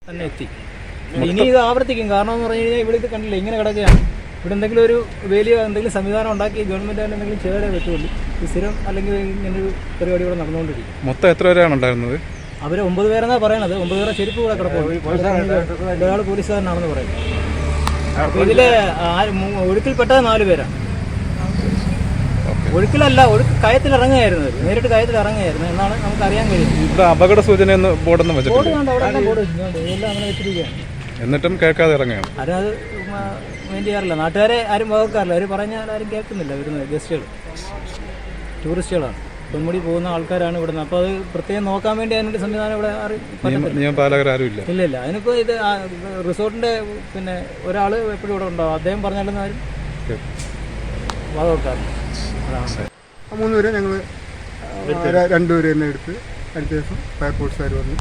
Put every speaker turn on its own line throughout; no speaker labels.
തന്നെ എത്തി. ഇനി ഇത് ആവർത്തിക്കും. കാരണം എന്ന് പറഞ്ഞു കഴിഞ്ഞാൽ ഇവിടെ ഇത് കണ്ടില്ല, ഇങ്ങനെ കിടക്കുകയാണ്. ഇവിടെ എന്തെങ്കിലും ഒരു വലിയ എന്തെങ്കിലും സംവിധാനം ഉണ്ടാക്കി ഗവൺമെൻറ് അതിന് എന്തെങ്കിലും ചെയ്തേ പറ്റുള്ളൂ. ഈ സ്ഥിരം അല്ലെങ്കിൽ ഇങ്ങനൊരു പരിപാടി ഇവിടെ നടന്നുകൊണ്ടിരിക്കും.
മൊത്തം എത്ര പേരാണ് ഉണ്ടായിരുന്നത്?
അവർ 9 പേരെന്നാണ് പറയണത്. 9 പേരെ ചെരുപ്പ് കൂടെ കിടപ്പുണ്ട്. ഒരാൾ പോലീസുകാരനാണെന്ന് പറയുന്നത്. അപ്പോൾ ഇതിൽ ഒഴുക്കിൽപ്പെട്ടത് 4 പേരാണ്. ഒഴുക്കിലല്ല, കയത്തിൽ ഇറങ്ങുകയായിരുന്നു. നേരിട്ട് കയത്തിൽ ഇറങ്ങുകയായിരുന്നു എന്നാണ് നമുക്ക് അറിയാൻ കഴിയുന്നത്.
ഇവിടെ അപകട സൂചന ബോർഡൊന്നും
ബോർഡ് കണ്ട് അവിടെ എല്ലാം ബോർഡ് വെച്ചിട്ടുണ്ട്. എല്ലാം അങ്ങനെ വെച്ചിരിക്കുകയാണ്.
എന്നിട്ടും കേൾക്കാതെ ഇറങ്ങുകയാണ്.
അത് വേണ്ടി ചെയ്യാറില്ല. നാട്ടുകാരെ ആരും വകക്കാറില്ല. അവർ പറഞ്ഞാൽ ആരും കേൾക്കുന്നില്ല. വരുന്നത് ഗസ്റ്റുകൾ, ടൂറിസ്റ്റുകളാണ്, പൊന്മുടി പോകുന്ന ആൾക്കാരാണ് ഇവിടുന്ന്. അപ്പോൾ അത് പ്രത്യേകം നോക്കാൻ വേണ്ടി അതിനൊരു സംവിധാനം ഇവിടെ
നിയമപാലകരാരും ഇല്ല.
ഇല്ല. അതിനിപ്പോൾ ഇത് റിസോർട്ടിൻ്റെ പിന്നെ ഒരാൾ എപ്പോഴും ഇവിടെ ഉണ്ടാവും. അദ്ദേഹം പറഞ്ഞാലും ആരും വകവെക്കാറില്ല.
3 പേരെ ഞങ്ങൾ 2 പേര് തന്നെ എടുത്ത് അടുത്ത ദിവസം ഫയർഫോഴ്സുകാർ വന്നു.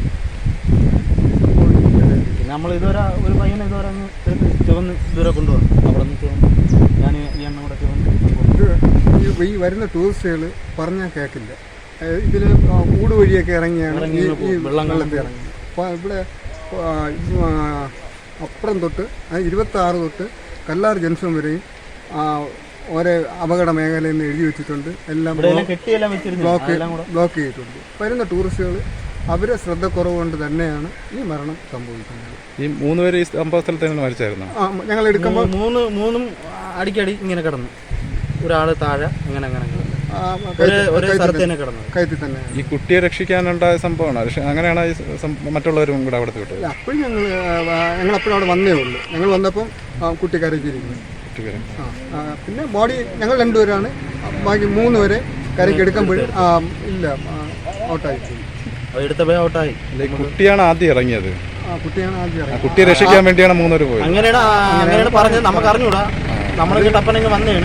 പിന്നെ നമ്മൾ ഇതുവരെ ഒരു പയ്യനെ ഇതുവരെ അങ്ങ് ചുവന്ന് ഇതുവരെ കൊണ്ടുപോകും. അവിടെ നിന്ന് ഞാൻ ഈ എണ്ണം കൂടെ ചുവന്ന്
ഈ വരുന്ന ടൂറിസ്റ്റുകൾ പറഞ്ഞാൽ കേൾക്കില്ല. ഇതിൽ ഊട് വഴിയൊക്കെ ഇറങ്ങിയാണ് ഈ വെള്ളത്തിൽ ഇറങ്ങി. അപ്പോൾ ഇവിടെ അപ്പുറം തൊട്ട് 26 തൊട്ട് കല്ലാർ ജംഗ്ഷൻ വരെയും ഓരോ അപകട മേഖലയിൽ നിന്ന് എഴുതി വെച്ചിട്ടുണ്ട്. എല്ലാം ബ്ലോക്ക് ചെയ്തിട്ടുണ്ട്. വരുന്ന ടൂറിസ്റ്റുകൾ അവരെ ശ്രദ്ധക്കുറവ് കൊണ്ട് തന്നെയാണ് ഈ മരണം സംഭവിക്കുന്നത്.
ഈ 3 പേര് ഈ സംഭവ സ്ഥലത്ത് തന്നെ മരിച്ചായിരുന്നു.
ഞങ്ങൾ എടുക്കുമ്പോൾ
മൂന്നും അടിക്കടി ഇങ്ങനെ കിടന്നു. ഒരാൾ താഴെ ഇങ്ങനെ
കയറ്റി തന്നെ.
ഈ കുട്ടിയെ രക്ഷിക്കാനുണ്ടായ സംഭവമാണ്. അങ്ങനെയാണ് മറ്റുള്ളവരും കൂടെ അവിടെ വിട്ടത്.
അപ്പോഴും ഞങ്ങളപ്പോഴും അവിടെ വന്നേ ഉള്ളൂ. ഞങ്ങൾ വന്നപ്പം കുട്ടി കരയ്ക്കിരിക്കുന്നു. പിന്നെ ബോഡി ഞങ്ങൾ 2 പേരാണ്. ബാക്കി 3 പേരെ കരയ്ക്ക് എടുക്കുമ്പോഴും ഇല്ല, ഔട്ടായി.
ഔട്ടായി.
കുട്ടിയാണ് ആദ്യം ഇറങ്ങിയത്. കുട്ടിയെ
കുട്ടിയെ
രക്ഷിക്കാൻ വേണ്ടിയാണ് 3 പേര് പോയത്.
അങ്ങനെയാണ് പറഞ്ഞത്. നമുക്ക് അറിഞ്ഞൂടാ. നമ്മളൊക്കെ ടപ്പനെങ്കിൽ വന്നതാണ്.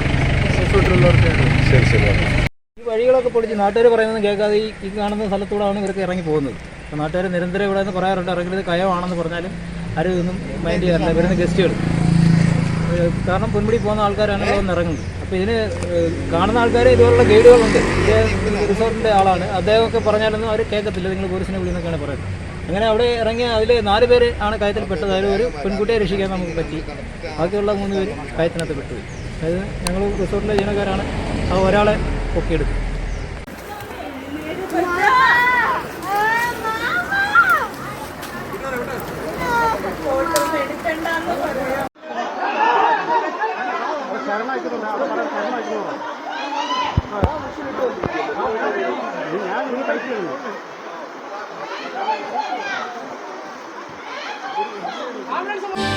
ശരി.
ഈ വഴികളൊക്കെ പൊളിച്ച് നാട്ടുകാർ പറയുന്നത് കേൾക്കാതെ ഈ കാണുന്ന സ്ഥലത്തൂടെയാണ് ഇവർക്ക് ഇറങ്ങി പോകുന്നത്. അപ്പോൾ നാട്ടുകാർ നിരന്തരം ഇവിടെ നിന്ന് പറയാറുണ്ട്, ഇറങ്ങുന്നത് കയമാണെന്ന് പറഞ്ഞാലും ആരും ഇതൊന്നും മൈൻഡ് ചെയ്യാറില്ല. വരുന്ന ഗസ്റ്റുകൾ കാരണം പൊന്മുടി പോകുന്ന ആൾക്കാരാണ് ഇവിടെ നിന്ന് ഇറങ്ങുന്നത്. അപ്പോൾ ഇതിന് കാണുന്ന ആൾക്കാർ ഇതുപോലുള്ള ഗൈഡുകളുണ്ട്. റിസോർട്ടിൻ്റെ ആളാണ്. അദ്ദേഹമൊക്കെ പറഞ്ഞാലൊന്നും അവർ കേൾക്കത്തില്ല. നിങ്ങൾ പോലീസിനെ വിളിയെന്നൊക്കെയാണ് പറയുന്നത്. അങ്ങനെ അവിടെ ഇറങ്ങിയ അതിൽ 4 പേര് ആണ് കയത്തിൽപ്പെട്ടത്. അതിൽ ഒരു പെൺകുട്ടിയെ രക്ഷിക്കാൻ നമുക്ക് പറ്റി. ബാക്കിയുള്ള 3 പേര് കയത്തിനകത്ത് പെട്ടുപോയി. അതായത് ഞങ്ങൾ റിസോർട്ടിലെ ജീവനക്കാരാണ്. ആ ഒരാളെ പൊക്കിയെടുത്തു. ഞാൻ